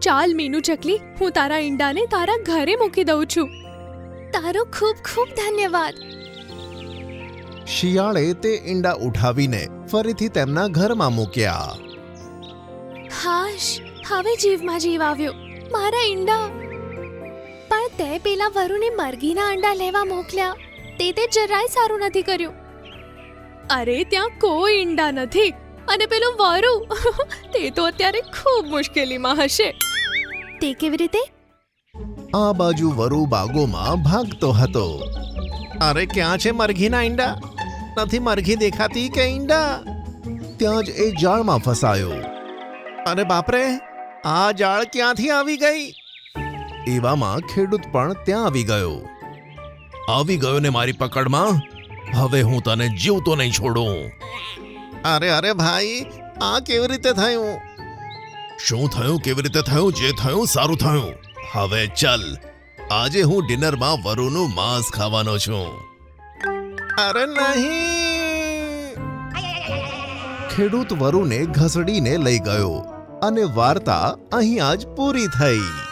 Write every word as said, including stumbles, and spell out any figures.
ચાલ મીનુ ચકલી, હું તારા ઈંડાને તારા ઘરે મૂકી દઉં છું. તારો ખૂબ ખૂબ ધન્યવાદ. શિયાળે તે ઈંડા ઉઠાવીને ફરીથી તેમના ઘરમાં મૂક્યા. હાશ, હવે જીવમાં જીવ આવ્યો. મારા ઈંડા. પણ તે પેલા વરુને મરઘીના અંડા લેવા મોકલ્યા. તે તે જરાય સારું નથી કર્યું. અરે ત્યાં કોઈ ઈંડા નથી. અને પેલો વરુ તે તો અત્યારે ખૂબ મુશ્કેલીમાં હશે. તે કેવી રીતે? આ બાજુ વરુ બાગોમાં ભાગતો હતો. અરે ક્યાં છે મરઘીના ઈંડા? નથી મરઘી દેખાતી કે ઈંડા? ત્યાં જ એ જાળમાં ફસાયો. અરે બાપરે, આ જાળ ક્યાંથી આવી ગઈ? એવામાં ખેડૂત પણ ત્યાં આવી ગયો. આવી ગયો ને મારી પકડમાં. હવે હું તને જીવતો નહીં છોડું. અરે અરે ભાઈ, આ કેવી રીતે થયું? શું થયું? કેવી રીતે થયું? જે થયું સારું થયું. હવે ચલ, આજે હું ડિનરમાં વરુનું માંસ ખાવાનો છું. અરે નહીં! ખેડૂત વરુને ઘસડીને લઈ ગયો અને વાર્તા અહીં આજ પૂરી થઈ.